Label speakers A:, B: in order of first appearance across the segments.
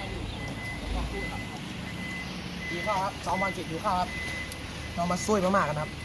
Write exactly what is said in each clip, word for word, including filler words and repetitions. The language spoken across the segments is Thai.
A: หิวข้าวครับสองวันเสร็จหิวข้าวครับเรามาซุยมากๆกันครับ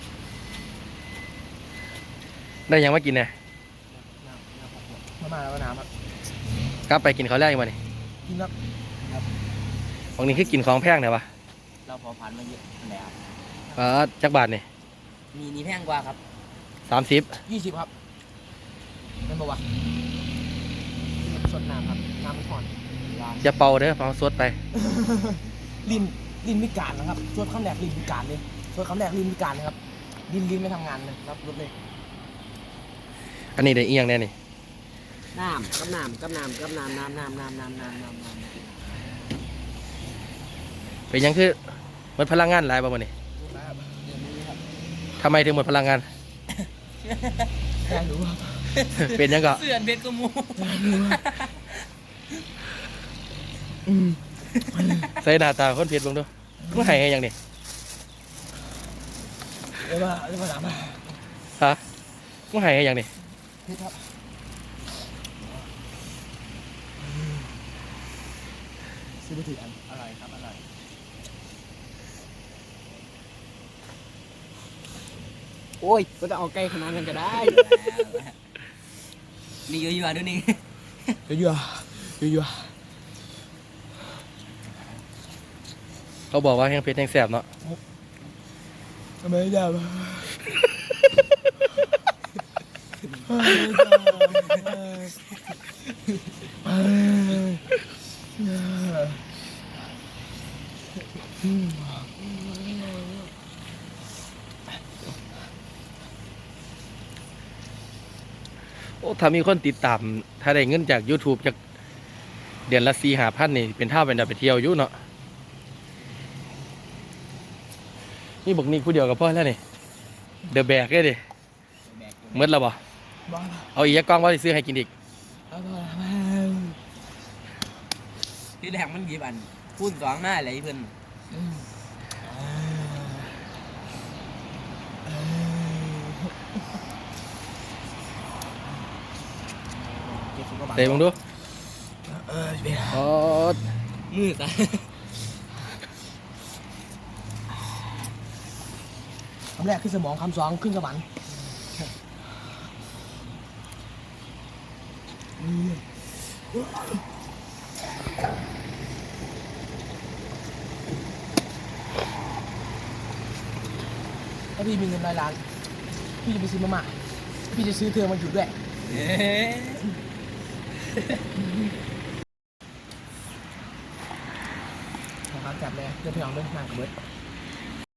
B: ได้ยังมากินเนี่ย
A: มาม่าแล้วน้ำครับ
B: กลับไปกินข้าวแรกมาเนี่ย
A: กินแล้วครับ
B: ของนี้คือกินของแพงเนี่ยปะ
C: เราพอผ่านมาเยอะแล้ว
B: อ่าจักบาทเนี่ย
C: มีนี่แพงกว่าครับ
B: สามสิบ
A: ยี่สิบครับเป็นปะวะสดน้ำครับน้ำมันผ่อน
B: อย่าเป่าเด้อเป่าสดไป
A: ลิ้นลิ้นพิการนะครับสวดคำแรกลิ้นพิการเลยสวดคำแรกลิ้นพิการเลยครับลิ้นลิ้นไม่ทำงานเลยรับรถเลย
B: อันนี้ได้เอียงแน่นี่
C: น้ำกับน้ำกับน้ำกับน้ำน้ำน้ำน้ำน้ำน้ำน้ำน้ำ
B: เป็นยังคือหมดพลังงานหลายป่ะมันนี่ทำไมถึงหมดพลังงาน
A: แค่รู้ครับ
B: เป็นยังก็
C: เสื่อนเพชรกมู
B: ใส่หน้าตาคนเพียรลงดูมึงให้ยังนี่
A: เดี๋ยวมาเดี๋ยวมาถามมา
B: ฮะมึงให้ยังนี่
A: พี่ครับซื้อไปถืออันอะไรครับอะไร
C: โอ้ยก็จะเอาใกล้ขนาดนั้นก็ได้นี่เยอะๆด้วยนี่
A: เยอะเยอะเยอะเยอะ
B: เขาบอกว่าแห้งเพชรแห้งแสบเนาะ
A: ทำไมได้บ้า
B: โอ้ถ้ามีคนติดตามถ้าได้เงินจาก YouTube จากเดือนละสี่ห้าพันนี่เป็นเท่าเป็นดาวไปเที่ยวอยู่เนาะนี่บอกนี่ผู้เดียวกับพ่อแล้วนี่เดอะแบกเลยดิเมื่อแล้วบ่
A: บ้า
B: เอาอีกกล้องว่าจะซื้อให้กินอีก
A: บ้าบ้า
C: ที่แรกมันกี่บันพูดสองหน้าอะไรเพื่อน
B: เตะมึงดู
A: เออเบียร์
B: อ๋อ
C: มืดอ่ะ
A: คำแรกขึ้นสมองคำสองขึ้นสวรรค์ถ้าพี่มีเงินร้อยล้านพี่จะไปซื้อมาม่าพี่จะซื้อเธอมาอยู่ด้วยนะครับจับเลยเดี๋ยวพี่น้องเดินทางกับเบิร์ด